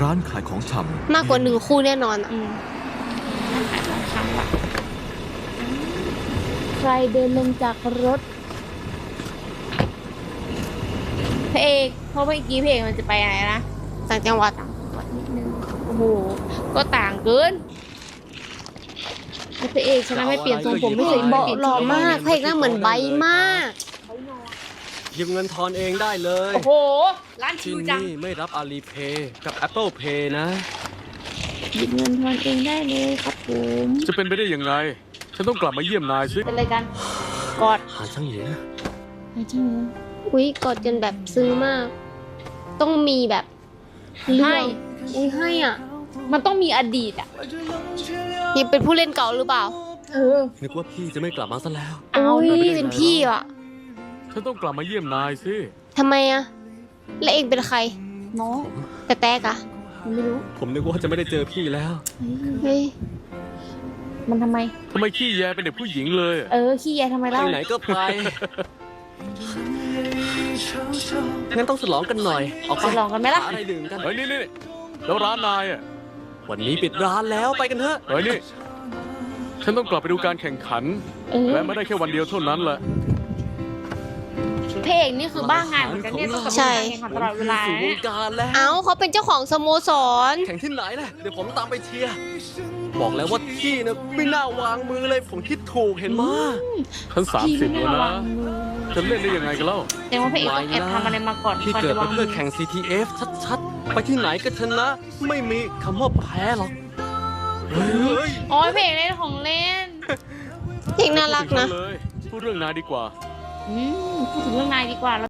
ร้านขายของชำมากกว่าหนึ่งคู่แน่นอนอะขายของชำว่ะใครเดินลงจากรถพระเอกเพราะเมื่อกี้พระเอกมันจะไปไหนนะต่างจังหวัดวัดนิดนึงโอ้โหก็ต่างเกินแล้วพระเอกฉันไม่เปลี่ยนทรงผมไม่เคยเบาะเปลี่ยนหล่อมากพระเอกหน้าเหมือนไบร์ทมากหยิบเงินทอนเองได้เลยโอ้โหร้านชิที่วจังนี่ไม่รับอาลีเพย์กับ Apple Pay นะหยิบเงินทอนเองได้เลยครับผมจะเป็นไปได้ยังไง ฉันต้องกลับมาเยี่ยมนายสิเป็นอะไรกันกอดหาช่างเหยียไอ้จริงเหรออุ้ยกอดกันแบบซึ้งมาก ต้องมีแบบเรื่ให้องอุ้ยให้อ่ะมันต้องมีอดีตอ่ะยังเป็นผู้เล่นเก่าหรือเปล่าเออนึกว่าพี่จะไม่กลับมาซะแล้วเอาอุ้ยดิเป็นพี่อ่ะฉันต้องกลับมาเยี่ยมนายสิทำไมอ่ะ แล้วเองเป็นใครน้องแต่แตกอ่ะไม่รู้ผมนึกว่าจะไม่ได้เจอพี่แล้วเฮ้ยมันทำไมทำไมขี้แยเป็นเด็กผู้หญิงเลยอะเออขี้แยทำไมไปเล่าไหนก็ไป งั้นต้องฉลองกันหน่อย ออกไปจะลองกันไหมล่ะหาอะไรดื่มกันเฮ้ยนี่แล้วร้านนายอ่ะวันนี้ปิดร้านแล้วไปกันเถอะเฮ้ยนี่ ฉันต้องกลับไปดูการแข่งขันเออและไม่ได้แค่วันเดียวเท่านั้นแหละพระเอกนี่คือบ้างานเหมือนกันเนี่ยต้องกับใช่การแข่งขันตลอดเวลาสู่วเนี่ยงการแล้วเอ้าเขาเป็นเจ้าของสโมสรแข่งที่ไหนล่ะ เดี๋ยวผมตามไปเชียร์ บอกแล้วว่าพี่นะไม่น่าวางมือเลย ผมคิดถูกเห็นมั้ยฉัน30แล้วนะ จะเล่นได้ยังไงกันเล่าแต่ว่าพระเอกต้องแอบทำอะไรมาก่อนพี่ก่อนเกิดจะวามาง เพื่อแข่ง CTF ชัดๆ ไปที่ไหนก็ชนะ ไม่มีคำว่าแพ้หรอก เฮ้ยอ๋อพระเอกเล่นของเล่นเด็กน่ารักนะพูดถึงฉัเลยพูดเรื่องนายดีกว่าพูดถึงเรื่องนายดีกว่า